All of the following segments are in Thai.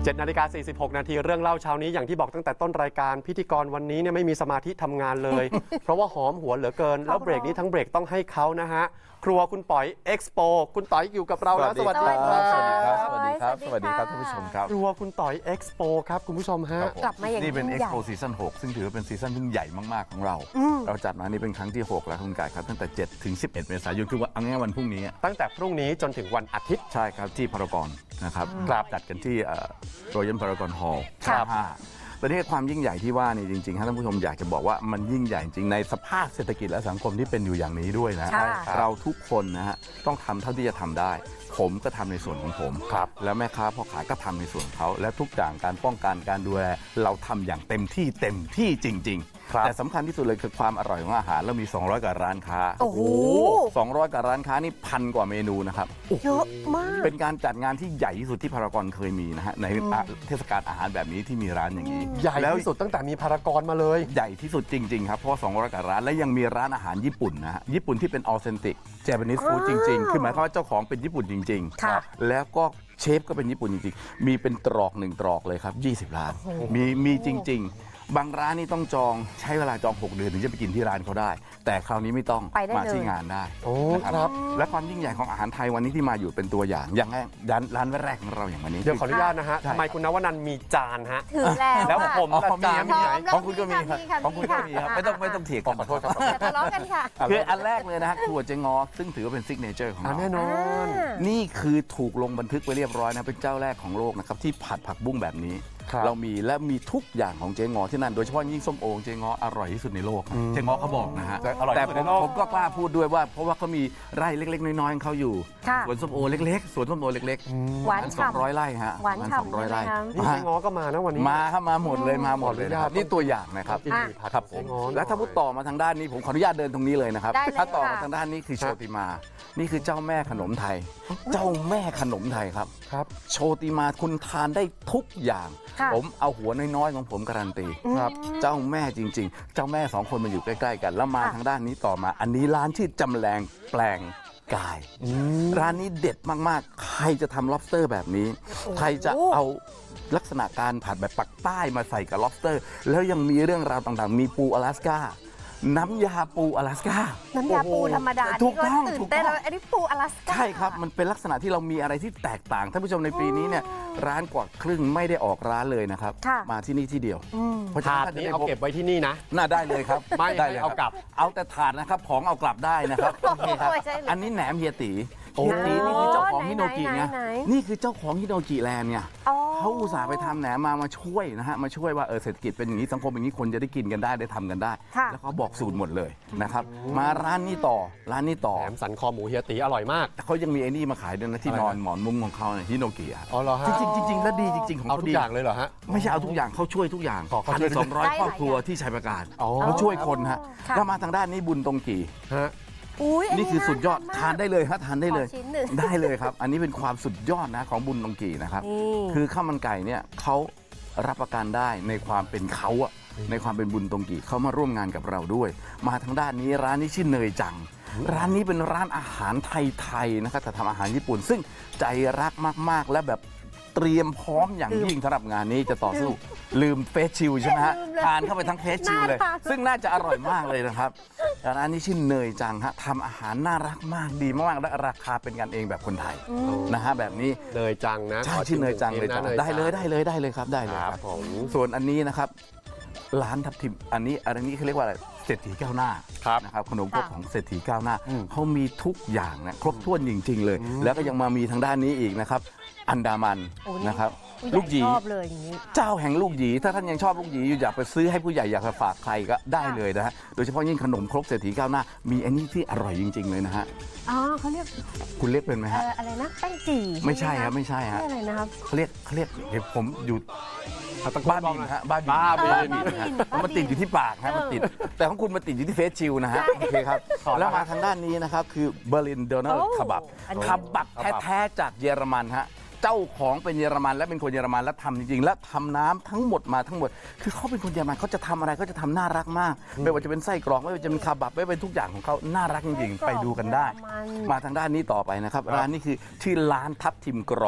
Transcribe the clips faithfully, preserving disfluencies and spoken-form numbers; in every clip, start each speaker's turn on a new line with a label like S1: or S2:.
S1: จ็ดนาฬิกาสี่สิบหกนาทีเรื่องเล่าเช้านี้อย่างที่บอกตั้งแต่ต้นรายการพิธีกรวันนี้เนี่ยไม่มีสมาธิทำงานเลย เพราะว่าหอมหัวเหลือเกินแล้วเบรกนี้ทั้งเบรกต้องให้เขานะฮะครัวคุณป๋อยเอ็กซ์โปคุณป๋อยอยู่กับเราแล้วสวัสดีครับ
S2: สวัสดีครับ สวัสดีครับ สวัสดีครับท่านผู้ชมครับ
S1: ครัวคุณป๋อยเอ็กซ์โปครับคุณผู้ชมฮะ
S3: กลับมาอย่าง
S2: นี่เป็น
S3: ยิ่
S2: เอ็
S3: ง
S2: ก
S3: ใหญ่
S2: ซ์โปซีซั่นหกซึ่งถือว่าเป็นซีซั่นที่ใหญ่มากๆของเรา เราจัดมานี่เป็นครั้งที่หกแล้วคุณกายครับตั้งแต่เจ็ดถึงสิบเอ็ดเมษายนคือว่าเอาง่ายๆวันพรุ่งนี้
S1: ตั้งแต่พรุ่งนี้จนถึงวันอาทิตย์
S2: ใช่ครับที่พารากอนนะครับ
S1: ครับ
S2: จัดกันที่รอยัลพารากอนฮอลล์
S3: ครับ
S2: ห้าประเทศความยิ่งใหญ่ที่ว่านี่จริงๆท่านผู้ชมอยากจะบอกว่ามันยิ่งใหญ่จริงในสภาพเศรษฐกิจและสังคมที่เป็นอยู่อย่างนี้ด้วยนะ
S3: ค่ะ
S2: เราทุกคนนะฮะต้องทำเท่าที่จะทำได้ ผมก็ทำในส่วนของผม
S1: ครับ
S2: แล้วแม่ค้าพ่อขายก็ทำในส่วนของเขาและทุกอย่างการป้องกันการดูแลเราทำอย่างเต็มที่เต็มที่จริง
S1: ครับ
S2: ๆ แต่สำคัญที่สุดเลยคือความอร่อยของอาหารเรามีสองร้อยกว่าร้านค้า
S3: โอ้โห
S2: สองร้อยกว่าร้านค้านี่พันกว่าเมนูนะครับ
S3: เยอะมาก
S2: เป็นการจัดงานที่ใหญ่ที่สุดที่พารากอนเคยมีนะฮะในเทศกาลอาหารแบบนี้ที่มีร้านอย่างนี้
S1: ใหญ่
S2: แล้ว
S1: ที่สุดตั้งแต่มีพารากอนมาเลย
S2: ใหญ่ที่สุดจริง ๆ ครับ เพราะว่าสองร้อยกว่าร้าน และยังมีร้านอาหารญี่ปุ่นนะฮะญี่ปุ่นที่เป็นออเทนติกเจแปนิสฟู้ดจริง ๆ คือหมายความว่าเจ้าของเป็นญี่ปุ่นจริง
S3: ค่ะ
S2: ๆ แล้วก็เชฟก็เป็นญี่ปุ่นจริงๆ มีเป็นตรอกหนึ่งตรอกเลยครับยี่สิบร้านมีมีจริง ๆ บางร้านนี่ต้องจองใช้เวลาจองหกเดือนถึงจะไปกินที่ร้านเขาได้ แต่คราวนี้ไม่ต้อง
S3: ไปได้
S2: มา
S3: เลย
S2: ที่งานได้
S1: โอ้
S2: นะครับ และความยิ่งใหญ่ของอาหารไทยวันนี้ที่มาอยู่เป็นตัวอย่างอย่างแรกร้านร้านแรกของเราอย่างวันนี้
S1: เดี๋ยวขออนุญาตนะฮะ
S2: ใช่
S1: ทำไมคุณนวนันท์มีจานฮะ
S3: ถึงแล้ว
S1: แล้ว
S3: ค่ะ
S1: ผม
S2: อ๋อ
S1: ละ
S2: มี
S1: จาน
S2: มี
S1: มีไหน
S2: ของคุณก็มีครับ
S3: ค่ะ
S2: ของคุณก็มีครับ
S3: ค่ะ
S2: ไม่ต้องไม่ต้องเถียงกัน
S1: ขอโทษครับ
S3: อย่าทะเลาะกันค่ะ
S2: คืออันแรกเลยนะฮะครัวเจงอซึ่งถือว่าเป็นซิกเนเจอร์ของ
S1: อ่ะ
S2: เรา
S1: แน่นอน
S2: นี่คือถูกลงบันทึกไปเรียบร้อยนะเป็นเจ้าแรกของโลกนะครับที่ผัดผักบุ้งแบบนี้
S1: ครับ
S2: เรามีและมีทุกอย่างของเจ๊งอที่นั่นโดยเฉพาะยิ่งส้มโอเจ๊งออร่อยที่สุดในโลกครับเจ๊งอเขาบอกนะฮะ
S1: แต่อร่อยที่
S2: แต่
S1: สุด
S2: ผ
S1: ใน
S2: ม
S1: โลก
S2: ผมก็กล้าพูดด้วยว่าเพราะว่าเขามีไร่เล็ก ๆ น้อยๆของเขาอยู่
S3: ค่ะ
S2: สวนส้มโอเล็กๆสวนส้มโอเล็กๆ
S3: หวาน
S2: สองร้อย
S3: ฉ่ำ
S2: ไร่ฮะ
S3: หวาน
S2: สอง
S3: ฉ่ำ
S2: ร้อย
S3: ใช่
S2: ไร่
S3: ไหมคะ
S1: นี่เจ๊ง้อก็มานะวันนี้
S2: มาครับมาหมดเลยมาหมดเลย
S1: ขออนุญาต
S2: นะครับนี่ตัวอย่างนะครับ
S1: กินหมี่ผัด
S2: ครับผ
S1: เจ๊
S2: ม
S1: ง้อหน่อย
S2: แล้วถ้าพูดต่อมาทางด้านนี้ผมขออนุญาตเดินตรงนี้เลยนะครับ
S3: ได้เลย
S2: ถ้าต่อมา
S3: ค่ะ
S2: ทางด้านนี้คือโชติมา นี่คือเจ้าแม่ขนมไทย เจ้าแม่ขนมไทยครับ
S1: ครับ
S2: โชติมาคุณทานได้ทุกอย่าง
S3: ค่ะ
S2: ผมเอาหัวน้อยๆของผมการันตี
S1: ครับ
S2: เจ้าแม่จริง ๆ เจ้าแม่สองคนมันอยู่ใกล้ๆกัน แล้วมาทางด้านนี้ต่อมา อันนี้ร้านที่จำแรงแปลงกาย ร้านนี้เด็ดมากๆ ใครจะทำ lobster แบบนี้ ใครจะเอาลักษณะการผัดแบบปักใต้มาใส่กับ lobster แล้วยังมีเรื่องราวต่างๆ มีปูอลาสก้าน้ำยาปูอลาสก้า
S3: น้ำยาปูธรรมดา
S2: ถูกต้อง
S3: นี่
S2: ถู
S3: ตื่
S2: ก
S3: นเต้น
S2: ต้อง
S3: แล้วอันนี้ปูอลาสก้า
S2: ใช่ครับ มันเป็นลักษณะที่เรามีอะไรที่แตกต่าง ท่านผู้ชมในปีนี้เนี่ยร้านกว่าครึ่งไม่ได้ออกร้านเลยนะครับ
S3: ค่ะ
S2: มาที่นี่ที่เดียว
S3: อืม
S2: เพราะฉะ
S1: ถา
S2: นั้น
S1: ด
S2: ถ้าจะ
S1: นี้
S2: ได้
S1: เอา
S2: พบ
S1: เก็บไว้ที่นี่นะ
S2: น่าได้เลยครับ
S1: ไม่
S2: ได้
S1: ให้
S2: เลย
S1: เอากลับ
S2: เอาแต่ถาดนะครับของเอากลับได้นะครับโอเคครับ
S3: ใช่เลย
S2: อันนี้แหนมเฮียตี
S1: โอ้
S2: เฮียตีนี่คือเจ้าของฮิโนกิ
S3: ไหน
S2: ไง
S3: ไหนไหน
S2: นี่คือเจ้าของฮิโนกิแลนด์เนี่ย
S3: อ๋อ
S2: เขาอุตส่าห์ไปทำแหนมมามาช่วยนะฮะมาช่วยว่าเออเศรษฐกิจเป็นอย่างนี้สังคมอย่างนี้คนจะได้กินกันได้ได้ทำกันได้
S3: ค่ะ
S2: แล้วเขาบอกสูตรหมดเลยนะครับมาร้านนี้ต่อร้านนี้ต่อ
S1: แหนมสันคอหมูเฮียตีอร่อยมาก
S2: เขายังมีไอ้นี่มาขายด้วยนะที่
S1: อะไร
S2: น
S1: นะ
S2: อนหมอนมุ้งของเขาเนี่ยฮิโนกิอะ
S1: อ๋อเหรอฮะ
S2: จริงๆจริงๆแล้วดีจริงๆของ
S1: เอา
S2: เขา
S1: ทุก
S2: ดี
S1: อย่างเลยเหรอฮะ
S2: ไม่ใช่เอาทุกอย่างเขาช่วยทุกอย่าง
S1: ขอเขา
S2: พัน
S1: ช่วย
S2: สองร้อย
S3: ได้หลาย
S2: ครอบครัว
S3: อย่าง
S2: ที่ชัยประการ
S1: อ๋อ
S2: เขาช่วยคนฮะ
S3: ค่ะ
S2: แล้วมาทางด้านนี้บุญตรงกี่
S1: ฮะ
S3: อุ้ยอั
S2: นี่คือสุดยอดทานได้เลยฮะทานได้เลย
S3: ขอชิ้นหนึ่ง
S2: ได้เลยครับ อันนี้เป็นความสุดยอดนะของบุญตรงกี่นะครับ
S3: นี่
S2: คือข้าวมันไก่เนี่ยเขารับประกันได้ในความเป็นเขาอะในความเป็นบุญตรงกี่เขามาร่วมงานกับเราด้วย มาทางด้านนี้ร้านนี้ชื่อเนยจัง ร้านนี้เป็นร้านอาหารไทยๆนะครับแต่ทำอาหารญี่ปุ่น ซึ่งใจรักมากๆ และแบบเตรียมพร้อมอย่างยิ่งสำหรับงานนี้จะต่อสู้ ลืมเฟสชิลใช่ไหมฮะ
S3: ลืมเลย
S2: ทานเข้าไปทั้งเฟสชิลเลย
S3: น่าทาน
S2: ซึ่งน่าจะอร่อยมากเลยนะครับร้านนี้ชื่อเนยจังฮะทำอาหารน่ารักมากดีมากๆและราคาเป็นกันเองแบบคนไทยนะฮะแบบนี้
S1: เนยจังนะ
S2: ใช่
S1: ข
S2: ชื่อเนยจังเลย
S1: นะ
S2: จ้ะ
S1: น
S2: ได้เลยได้เลยได้เลยครับได้เลย
S1: ค
S2: ค
S1: รั
S2: รั
S1: บบ ผม
S2: ส่วนอันนี้นะครับร้านทับทิมอันนี้อันนี้เขาเรียกว่าอะไรเศรษฐีก้าวหน้า
S1: ครับ
S2: นะครับขนมครก
S3: ค่ะ
S2: ของเศรษฐีก้าวหน้า
S1: อืม
S2: เขามีทุกอย่างนะครบถ้วนจริง ๆ เลย แล้วก็ยังมามีทางด้านนี้อีกนะครับอันดามัน
S3: โอ้นี่
S2: นะครับ
S3: ผู้ใหญ่
S2: ลูกหยี
S3: ชอบเลยอย่างนี้
S2: เจ้าแห่งลูกหยีถ้าท่านยังชอบลูกหยีอยู่อยากไปซื้อให้ผู้ใหญ่อยากจะฝากใครก็ได้เลยนะฮะโดยเฉพาะยิ่งขนมครกเศรษฐีก้าวหน้า มีอันนี้ที่อร่อยจริง ๆ เลยนะฮะ
S3: อ๋อเขาเรียก
S2: คุณเรียกเป็นไหม
S3: เอ่
S2: ฮะ
S3: ออะไรนะแป้งจี่
S2: ไม่ใช่
S3: ห
S2: ครับไม่ใช่ฮะ
S3: เรียกอะไรนะครับ
S2: เขาเรียกเขาเรียกเดี๋ยวผมอยู่
S1: เอาตะโก
S2: บ้าน
S1: บอก
S2: บิน
S1: หน่อย
S2: ฮะบ้านบิน
S1: บ้าบิน
S2: บ้านบินฮะ
S3: บ้านบิน
S2: มันติดอยู่ที่ปากฮะมันติด แต่ของคุณมันติดอยู่ที่เฟสชิลนะฮะโอเคครับ
S1: ขอแล้ว
S2: แล้วมาทางด้านนี้นะครับคือเบอร์ลินโดนัล
S3: โอ้
S2: คาบับ
S3: อันนี้
S2: คาบับแท้ๆจากเยอรมันฮะเจ้าของเป็นเยอรมันและเป็นคนเยอรมันและทำจริงๆ และทำน้ำทั้งหมดมาทั้งหมด คือเขาเป็นคนเยอรมันเขาจะทำอะไรเขาจะทำน่ารักมาก ไม่ว่าจะเป็นไส้กรอกไม่ว่าจะเป็นคาบับไม่ว่าเป็นทุกอย่างของเขาน่ารักจริงๆ ไปดูกันได้
S3: เยอรมัน
S2: มาทางด้านนี้ต่อไปนะครับร้านนี้คือชื่อร้านทับทิมกรอบ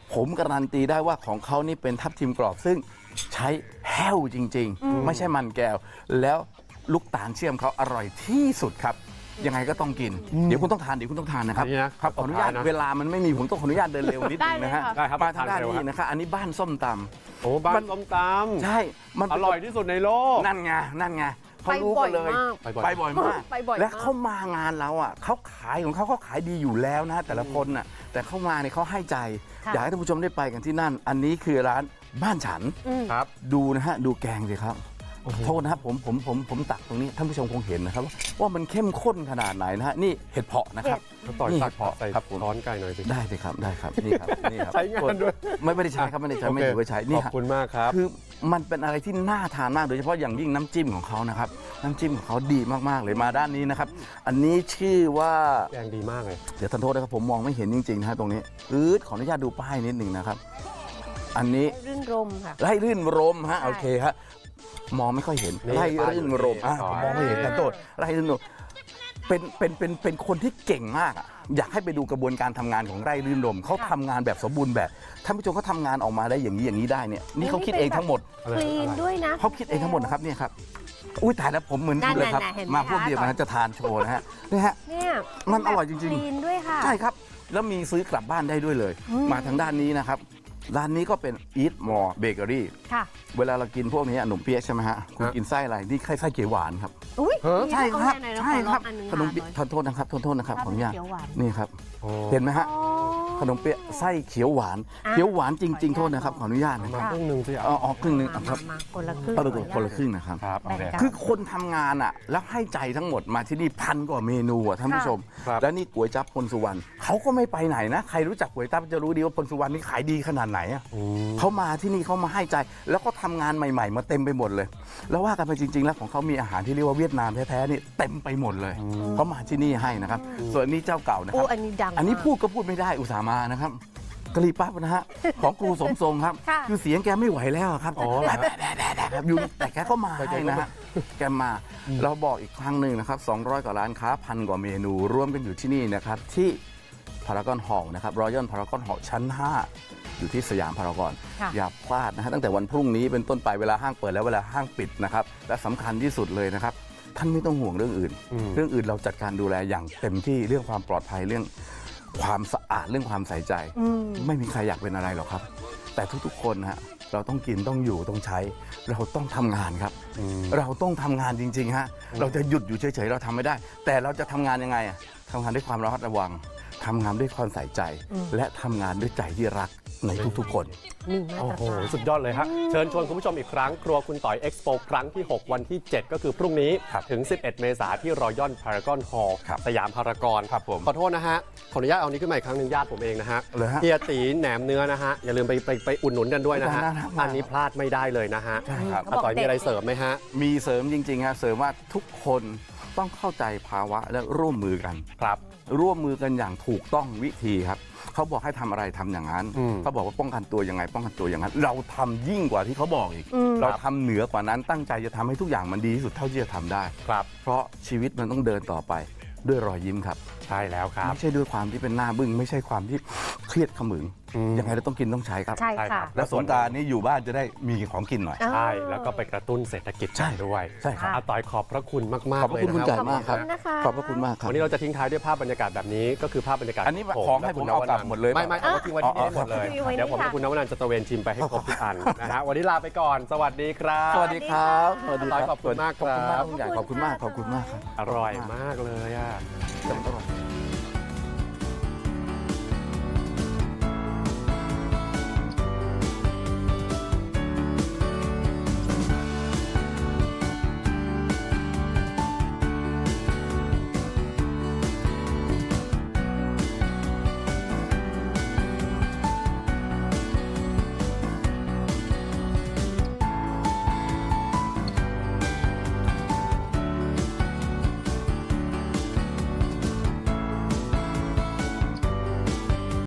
S2: ผมการันตีได้ว่าของเขานี่เป็นทับทิมกรอบซึ่งใช้แห้วจริง ๆ ไม่ใช่มันแก้ว แล้วลูกตาลเชื่อมเขาอร่อยที่สุดครับ ยังไงก็ต้องกิน เดี๋ยวคุณต้องทานเดี๋ยวคุณต้องทานนะครับ
S1: อันนี้นะครับ
S2: ขออนุญาต
S1: ขอทานนะ
S2: เวลามันไม่มีผมต้องขออนุญาตเดินเร็วนิดนึงนะฮะ
S1: ได้ครับ
S2: มาทางด้าน
S1: ทานเร็ว
S2: นี้
S1: ครับ
S2: นะครับอันนี้บ้านส้มตำ
S1: โอ้บ้านส้มต
S2: ใช่มัน
S1: ำอ
S2: เป็น
S1: ร่อยที่สุดในโลก
S2: นั่นไงนั่นไงเขารู้
S3: ไปบ่
S2: กั
S3: อย
S2: นเลย
S3: มาก
S1: ไปบ่อย
S2: ไปบ่อยมาก
S3: ไปบ่อยมาก
S2: และเขามางานเราอ่ะเขาขายของเขาเขาขายดีอยู่แล้วนะแต่ละคนน่ะแต่เข้ามาเนี่ยเขาให้ใจ
S3: ค่ะ
S2: อยากให้ท่านผู้ชมได้ไปกันที่นั่น อันนี้คือร้านบ้านฉัน
S3: อืม
S1: ครับ
S2: ดูนะฮะดูแกงสิครับโทษนะครับผมผมผมผมตักตรงนี้ท่านผู้ชมคงเห็นนะครับว่ามันเข้มข้นขนาดไหนนะฮะนี่เห็ดเผาะนะครับ
S1: แล้วต่อย
S2: นี่
S1: ตัก
S2: เผาะ
S1: ใส่
S2: ครับผม
S1: ช้อนไก่หน่อยสิ
S2: ได้เลยครับได้ครับนี่ครับนี่ครับ
S1: ใช้งานด้วย
S2: ไม่ไม่ได้ใช้ครับไม่ได้ใช้ไม่
S1: โอเค
S2: ถือว่าใช้นี่
S1: ขอบ
S2: ฮะ
S1: คุณมากครับ
S2: คือมันเป็นอะไรที่น่าทานมากโดยเฉพาะอย่างยิ่งน้ำจิ้มของเขานะครับน้ำจิ้มของเขาดีมากๆเลยมาด้านนี้นะครับอันนี้ชื่อว่า
S1: แกงดีมากเลย
S2: เดี๋ยวท่านโทษนะครับผมมองไม่เห็นจริงๆนะฮะตรงนี้อืดขออนุญาตดูป้ายนิดหนึ่งนะครับ อันนี้
S3: รื่นรมค่ะ
S2: ไร่รื่นรมฮะ
S3: ใช่
S2: โอเคฮะมองไม่ค่อยเห็น
S1: นี่
S2: ไร่รื่นรมอ่ะ
S1: ป้ายอยู่นี่
S2: ผมมองไม่เห็นท่านโทษไร่รื่นรมเป็นเป็นเป็นเป็นคนที่เก่งมากอะอยากให้ไปดูกระบวนการทำงานของไร่รื่นรมเขาทำงานแบบสมบูรณ์แบบท่านผู้ชมเขาทำงานออกมาได้อย่างนี้อย่างนี้ได้เนี่ยนี่เขาคิดเองทั้งหมด
S3: คลีนด้วยนะ
S2: เขาคิดเองทั้งหมดนะครับเนี่ยครับอุ้ยตายแล้วผมเหมือน
S3: นั่น
S2: เลยครับ
S3: ๆๆเห็นไหม
S2: มาพวก
S3: คะ
S2: เดียวกันนะจะทานโชว์นะฮะนี่ฮะ
S3: เนี่ย
S2: มันอร่อยจริงๆ
S3: คลีนด้วยค่ะ
S2: ใช่ครับ แล้วมีซื้อกลับบ้านได้ด้วยเลย
S3: อืม
S2: มาทางด้านนี้นะครับ ร้านนี้ก็เป็น Eat More Bakery
S3: ค่ะ
S2: เวลาเรากินพวกนี้ขนมเปี๊ยะใช่ไหมฮะ คุณ
S1: ฮะ
S2: กินไส้อะไร นี่ไส้เขียวหวานครับ
S3: อุ้ย
S1: เออ
S3: มี
S2: ใช่ครับ
S3: เอาแน่ๆนะ
S2: ใช่ครับ
S3: ขอลองอันหนึง
S2: ขนมเปี๊ยะ
S3: ค่ะ
S2: ทานโทษนะครับทานโทษนะครับขออนุญาต
S3: เขียวหวาน
S2: นี่ครับ
S1: โอ้
S2: เห็นไหมฮะ
S3: อ๋อ
S2: ขนมเปี๊ยะไส้เขียวหวาน
S3: อ่ะ
S2: เขียวหวานจริง ๆ โทษนะครับ ข
S3: ข
S2: อ
S3: อ
S2: อ
S3: อนุ
S2: นุญา
S3: ญา
S2: ต
S3: ต
S2: นะ
S1: มาครึ่งหนึ่งสิอ่ะ
S2: เอาเอาครึ่งหนึงอ่ะครับ
S3: มามาคนละครึ่ง
S2: เอาไป
S3: ขออนุญาต
S2: คนละครึ่งนะครับ
S1: ครับโอเค
S3: แบ่งกัน
S2: คือคนทำงานอ่ะแล้วให้ใจทั้งหมดมาที่นี่พันกว่าเมนูอ่ะท่านผู้ชม
S1: ครับ
S2: แล้วนี่ก๋วยจั๊บพลสุวรรณเขาก็ไม่ไปไหนนะ ใครรู้จักก๋วยจั๊บจะรู้ดีว่าพลสุวรรณนี่ขายดีขนาดไหนอ่ะ
S1: อืม
S2: เขามาที่นี่เขามาให้ใจ แล้วก็ทำงานใหม่ ๆ มาเต็มไปหมดเลย แล้วว่ากันไปจริง ๆ แล้วของเขามีอาหารที่เรียกว่าเวียดนามแท้ๆนี่เต็มไปหมดเลยเขามาที่นี่ให้นะครับ ส่วนนี้เจ้าเก่านะค
S3: โอ้
S2: รับ
S3: อันนี้ดัง
S2: อันนี้
S3: มาก
S2: พูดก็พูดไม่ได้อุตส่าห์มานะครับกะหรี่ปั๊บนะฮะของครูสมทรงครับ
S3: ค่ะ
S2: คือเสียงแกไม่ไหวแล้วอะครับ
S1: อ๋อ
S2: แบะแบะแบะแบะแบะแบบอยู่แต่แกก็มาให้นะฮะแกมา เราบอกอีกครั้งหนึ่งนะครับสองร้อยกว่าร้านค้าพันกว่าเมนูรวมกันอยู่ที่นี่นะครับที่พารากอนฮอลล์นะครับรอยัลพารากอนฮอลล์ชั้น ห้า อยู่ที่สยามพารากอน
S3: ค่ะ
S2: อย่าพลาดนะฮะตั้งแต่วันพรุ่งนี้เป็นต้นไปเวลาห้างเปิดแล้วเวลาห้างปิดนะครับและสำคัญที่สุดเลยนะครับท่านไม่ต้องห่วงเรื่องอื่น
S1: อืม
S2: เรื่องอื่นเราจัดการดูแลอย่างเต็มที่เรื่องความปลอดภัยเรื่องความสะอาดเรื่องความใส่ใจ
S3: อืม
S2: ไม่มีใครอยากเป็นอะไรหรอกครับ แต่ทุกๆคนนะฮะเราต้องกินต้องอยู่ต้องใช้ เราต้องทำงานครับ
S1: อืม
S2: เราต้องทำงานจริงๆฮะเราจะหยุดอยู่เฉยๆเราทำไม่ได้ แต่เราจะทำงานยังไงอะทำงานด้วยความระมัดระวังทำงานด้วยความใส่ใจ
S3: อืม
S2: และทำงานด้วยใจที่รักในทุกๆคน
S3: นี่มา
S1: โอ้
S3: ตร
S1: โห
S3: ฐาน
S1: สุดยอดเลยฮะเชิญชวนคุณผู้ชมอีกครั้ง ครัวคุณต่อยเอ็กซ์โปครั้งที่ หก วันที่ เจ็ด ก็คือพรุ่งนี้
S2: ครับ
S1: ถึง สิบเอ็ด เมษายนที่รอยัลพารากอนฮอลล์
S2: ครับ
S1: สยามพารากอน
S2: ครับผม
S1: ขอโทษนะฮะ ขออนุญาตเอานี้ขึ้นมาอีกครั้งหนึ่งญาติผมเองนะฮะ
S2: เลยฮะ
S1: เฮียตีแหนมเนื้อนะฮะ อย่าลืมไปไปไปอุดหนุนกันด้วยนะฮะ
S2: ได้ได้ได้
S1: อันนี้พลาดไม่ได้เลยนะฮะ
S2: ใช่ครับ
S1: อาต่อยมีอะไรเสริมไหมฮะ
S2: มีเสริมจริงๆฮะเสริมว่าทุกคนต้องเข้าใจภาวะและร่วมมือกัน
S1: ครับ
S2: ร่วมมือกันอย่างถูกต้องวิธีครับเขาบอกให้ทำอะไรทำอย่างนั้น
S1: อืม
S2: เขาบอกว่าป้องกันตัวยังไง ป้องกันตัวอย่างนั้น เราทำยิ่งกว่าที่เขาบอกอีก
S3: อืม
S2: เราทำเหนือกว่านั้นตั้งใจจะทำให้ทุกอย่างมันดีที่สุดเท่าที่จะทำได้
S1: ครับ
S2: เพราะชีวิตมันต้องเดินต่อไปด้วยรอยยิ้มครับ
S1: ใช่แล้วครับ
S2: ไม่ใช่ด้วยความที่เป็นหน้าบึ้งไม่ใช่ความที่เครียดขมึง
S1: อืม
S2: ยังไงเราต้องกินต้องใช้ครับ
S3: ใช่
S1: ใช่ครั
S3: ค่ะ
S1: บ
S2: แล้วสงกรานต์นี้อยู่บ้านจะได้มีของกินหน่อย
S3: อ่า
S1: ใช่ แล้วก็ไปกระตุ้นเศรษฐกิจ
S2: ใช่
S1: ด้วย
S2: ใช่ครับ
S1: อาต่อยขอบพระคุณมาก
S2: ขอบ
S1: ๆ
S2: พ
S1: เล
S2: ระ
S1: ย
S2: คุณ
S1: นะ
S2: คุณ
S1: ค
S2: ไก่
S1: รับ
S2: มากครับ
S3: ขอบคุณนะคะ
S2: ขอบพระคุณมากครับ
S1: วันนี้เราจะทิ้งท้ายด้วยภาพบรรยากาศแบบนี้ก็คือภาพบรรยากาศ
S2: อันนี้
S1: ผม
S2: ของให้ผมเอากลับหมดเลย
S1: ไม่ไม่เอามาทิ้งไว้ที่นี่ให้หมดเลย
S3: อ๋ออ๋อ
S1: เดี๋ยวผมกับคุณนวนันท์จะตระเวนชิมไปให้ครบทุกอันนะฮะวันนี้ลาไปก่อน สวัสดีครับ
S2: สวัสดีครับสวัสดี
S1: ขอบคุณมากครับ
S2: ขอบคุณมากคุณใหญ่ขอบคุณมากขอบคุณมากครับ
S1: อร่อยมากเลยอ่ะ
S2: อร่อย